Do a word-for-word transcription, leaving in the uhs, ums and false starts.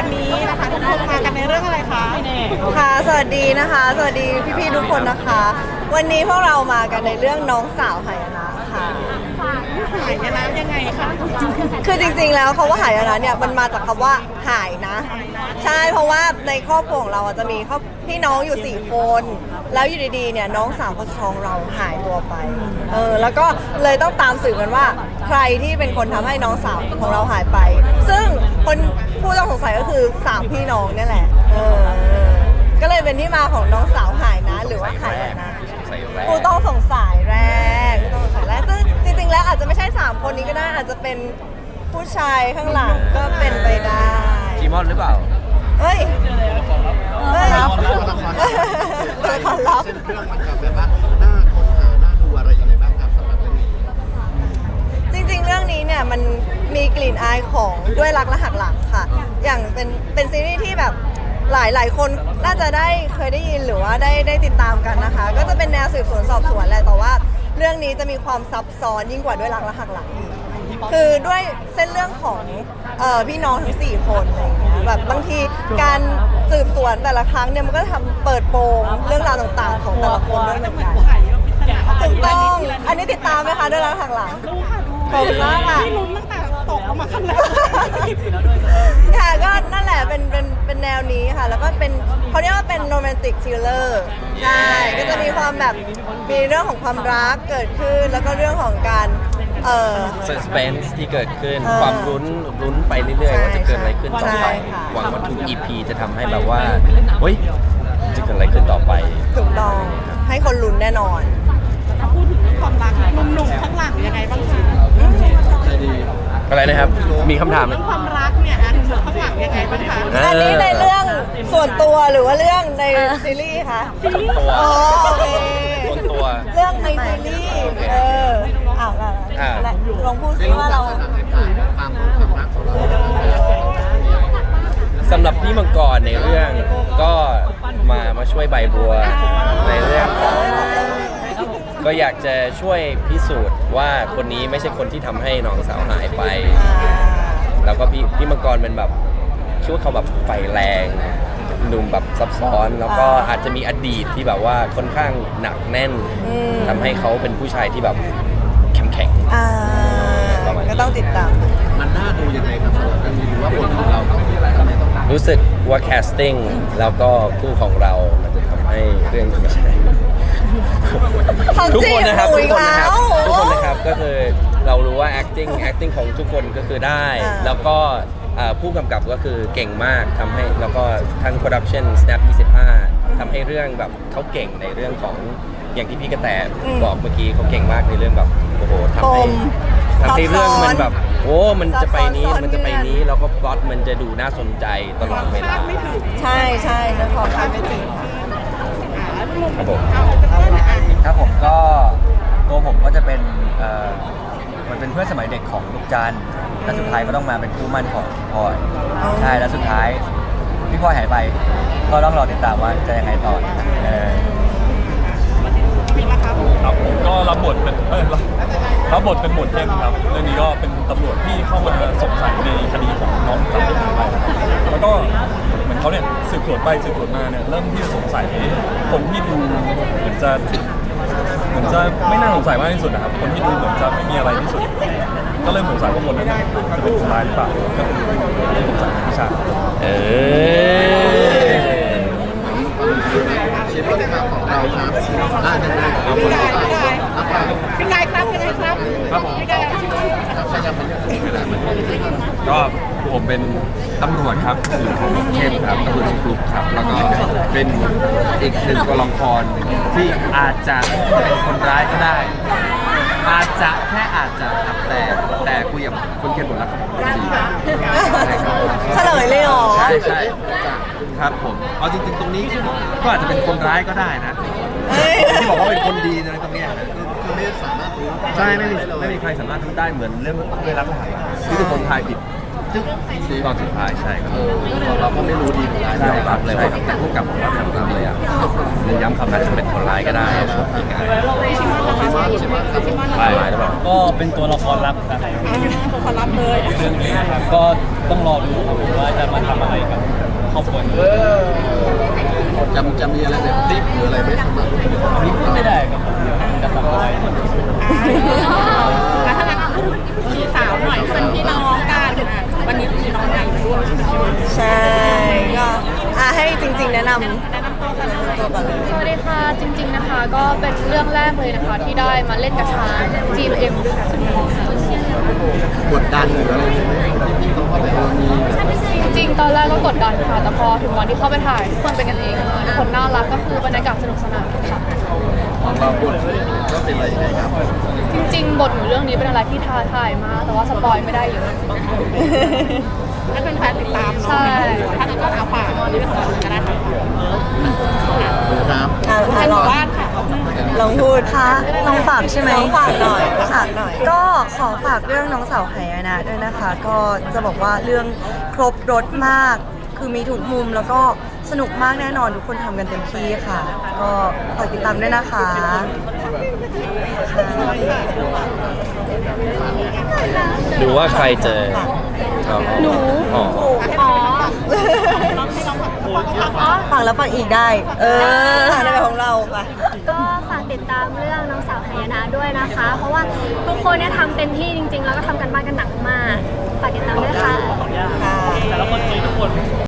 วันนี้นะคะทุกคนมากันในเรื่องอะไรคะค่ะสวัสดีนะคะสวัสดีพี่ๆทุกคนนะคะ วันนี้พวกเรามากันในเรื่องน้องสาวหายนะค่ะหายนะยังไงคะคือจริงๆแล้วคำว่าหายนะเนี่ยมันมาจากคำว่าหายนะใช่เพราะว่าในครอบครัวของเราจะมีครอบพี่น้องอยู่สี่คนแล้วอยู่ดีๆเนี่ยน้องสาวคนท้องเราหายตัวไปเออแล้วก็เลยต้องตามสืบกันว่าใครที่เป็นคนทำให้น้องสาวของเราหายไปซึ่งคนผู้ต้องสงสัยก็คือสามพี่น้องนี่แหละเออก็เลยเป็นที่มาของน้องสาวหายนะหรือว่าหายนะผู้ต้องสงสัยแรกผู้ต้องสงสัยแรกซึ่งจริงๆแล้วอาจจะไม่ใช่สามคนนี้ก็ได้อาจจะเป็นผู้ชายข้างหลังก็เป็นไปได้จีมอนหรือเปล่าเฮ้ยเฮ้ยรับตัวคอนลับเส้นเรื่องมันจะแบบว่าหน้าค้นหาหน้าดูอะไรยังไงบ้างครับสำหรับเรื่องนี้จริงๆเรื่องนี้เนี่ยมันมีกลิ่นอายของด้วยรักและหักหลังค่ะอย่างเป็นเป็นซีรีส์ที่แบบหลายหลายคนน่าจะได้เคยได้ยินหรือว่าได้ได้ติดตามกันนะคะก็จะเป็นแนวสืบสวนสอบสวนแหละแต่ว่าเรื่องนี้จะมีความซับซ้อนยิ่งกว่าด้วยรักและหักหลังคือด้วยเส้นเรื่องของเอ่อพี่น้องทั้งสี่คนอะไรอย่างเงี้ยแบบบางทีการสืบสวนแต่ละครั้งเนี่ยมันก็ทำเปิดโปงเรื่องราวต่างๆของแต่ละคนด้วยเหมือนกันถูกต้องอันนี้ติดตามไหมคะด้วยรักหักหลังดูค่ะดูขอบคุณมากค่ะที่ลุ้นตั้งแต่ตกออกมาข้างแรกค่ะก็นั่นแหละเป็นเป็นเป็นแนวนี้ค่ะแล้วก็เป็นเขาเรียกว่าเป็นโรแมนติกทริลเลอร์ใช่ก็จะมีความแบบมีเรื่องของความรักเกิดขึ้นแล้วก็เรื่องของการเอ่อ suspense ที่เกิดขึ้นความลุ้นลุ้นไปเรื่อยๆว่าจะเกิดอะไรขึ้นต่อไปหวังว่าทุก อี พี จะทำให้แบบว่าเฮ้ยจะเกิดอะไรขึ้นต่อไปถูกต้องให้คนลุ้นแน่นอนถ้าพูดถึงเรื่องความรักหนุ่มๆข้างหลังยังไงบ้างคะอะไรนะครับมีคำถามเรื่องความรักเนี่ยหนุ่มๆข้างหลังยังไงบ้างคะอันนี้ในเรื่องส่วนตัวหรือว่าเรื่องในซีรีส์คะส่วนตัวอ๋อโอเคส่วนตัวเรื่องในซีรีส์เอออ้าวอะไรลองพูดซิว่าเราความความรักของเราสำหรับพี่มังกรในเรื่องก็มามาช่วยใบบัวในเรื่องของก็อยากจะช่วยพิสูจน์ว่าคนนี้ไม่ใช่คนที่ทำให้น้องสาวหายไปแล้วก็พี่พี่มังกรเป็นแบบคิดว่าเขาแบบไฟแรงหนุ่มแบบซับซ้อนแล้วก็อาจจะมีอดีตที่แบบว่าค่อนข้างหนักแน่นทำให้เขาเป็นผู้ชายที่แบบเข้มแข็งก็ต้องติดตามมันน่าดูยังไงครับสำหรับเรื่องนี้หรือว่าบทของเราต้องมีอะไรทำให้ต้องรู้สึกว่าแคสติ้งแล้วก็คู่ของเรามันจะทำให้เรื่องไม่ใช่ทุกคนนะครับทุกคนนะครับทุกคนนะครับก็คือเรารู้ว่า acting acting ของทุกคนก็คือได้แล้วก็ผู้กำกับก็คือเก่งมากทำให้แล้วก็ทั้ง production snap ยี่สิบห้าทำให้เรื่องแบบเขาเก่งในเรื่องของอย่างที่พี่กระแตบอกเมื่อกี้เขาเก่งมากในเรื่องแบบโอ้โหทำให้ทำให้เรื่องมันแบบโอ้มันจะไปนี้มันจะไปนี้แล้วก็พล็อตมันจะดูน่าสนใจตลอดเวลาใช่ใช่แล้วพอคาดไม่ถึงครับผมครับผมก็ตัวผมก็จะเป็นเอ่อมันเป็นเพื่อนสมัยเด็กของลูกจันและสุดท้ายก็ต้องมาเป็นคู่มั่นของพลอยใช่แล้วสุดท้ายพี่พลอยหายไปก็ต้องรอติดตามว่าจะยังไงต่อเออครับผมก็รับบทเป็นเออรับบทเป็นหมวดเข้มครับเรื่องนี้ก็เป็นตำรวจที่เข้ามาสงสัยในคดีของน้องสาวที่หายไปแล้วก็เหมือนเขาเนี่ยสืบสวนไปสืบสวนมาเนี่ยเริ่มที่จะสงสัยคนที่ดูเหมือนจะเหมือนจะไม่น่าสงสัยมากที่สุดนะครับคนที่ดูเหมือนจะไม่มีอะไรที่สุดก็เริ่มสงสัยว่าคนนั้นจะเป็นคนร้ายหรือเปล่าก็คือเริ่มสงสัยพิชาเออชีวิตของเราครับน่าจะได้เราคนละเป็นไงครับเป็นไงครับครับผมก็ผมเป็นตำรวจครับคือของเข้มครับตำรวจกลุ่มครับแล้วก็เป็นอีกหนึ่งตัวละครที่อาจจะเป็นคนร้ายก็ได้อาจจะแค่อาจจะครับแต่แต่คุยกับคนเขียนบทแล้วครับดีเฉลยเลยเหรอใช่ใช่ครับผมเอาจริงๆตรงนี้ก็อาจจะเป็นคนร้ายก็ได้นะที่บอกว่าเป็นคนดีในตรงนี้คือไม่สามารถรู้ใช่ไม่มีไม่มีใครสามารถรู้ได้เหมือนเรื่องเวลาผ่านที่ทุกคนทายผิดจึ๊กสิตอนสุดท้ายใช่ครับเออเราก็ไม่รู้ดีเหมือนกันยอมรับเลยว่าแต่ผู้กำกับผมว่ายอมรับเลยอ่ะเน้นย้ำคำนั้นจะเป็นคนร้ายก็ได้ยังไงชิมอนชิมอนครับร้ายหรือเปล่าก็เป็นตัวละครลับครับตัวคนรับเลยเรื่องนี้นะครับก็ต้องรอดูครับผมว่าจะมาทำอะไรกับครอบครัวนี้จะจะมีอะไรแบบติ๊กหรืออะไรไหมสำหรับอันนี้พูดไม่ได้ครับผมจะทำอะไรอ่ะถ้างั้นพูดพี่สาวหน่อยเป็นพี่น้องกันอ่ะวันนี้พี่น้องใหญ่มาด้วยใช่ก็อ่ะให้จริง ๆ แนะนำแนะนำตัวก่อนเลยสวัสดีค่ะ จริงๆนะคะ ก็เป็นเรื่องแรกเลยนะคะ ที่ได้มาเล่นกับทาง จี เอ็ม ด้วยกันกดดันหรืออะไรไหมที่ต้องเข้าไปเออมีจริงๆ ตอนแรกก็กดดันค่ะ แต่พอถึงวันที่เข้าไปถ่ายทุกคนเป็นกันเองทุกคนน่ารักก็คือบรรยากาศสนุกสนานค่ะของเราบทก็เป็นอะไรยังไงครับจริงๆ บทหนูเรื่องนี้เป็นอะไรที่ท้าทายมาก แต่ว่าสปอยไม่ได้เยอะให้เป็นแฟนติดตามใช่ถ้างั้นก็เอาฝากเรื่องของก็ได้ค่ะครับอ่ะให้หลมู่องบ้านค่ะลองพูดคะลองฝากใช่ไหมลองฝากหน่อยฝากหน่อยก็ขอฝากเรื่องน้องสาวไหายนะด้วยนะคะ ก็จะบอกว่าเรื่องครบรถมาก คือมีทุกมุมแล้วก็สนุกมากแน่นอนทุกคนทำกันเต็มที่ค่ะ ก็ฝากติดตามด้วยนะคะดูว่าใครเจอหนูอ๋ออ๋อฝากแล้วฝากอีกได้เออทางในแบบของเราค่ะก็ฝากติดตามเรื่องน้องสาวหายนะด้วยนะคะ เพราะว่าทุกคนเนี่ยทำเต็มที่จริงๆ แล้วก็ทำกันบ้านกันหนักมาก ฝากติดตามด้วยค่ะค่ะแต่ละคนมีทุกคน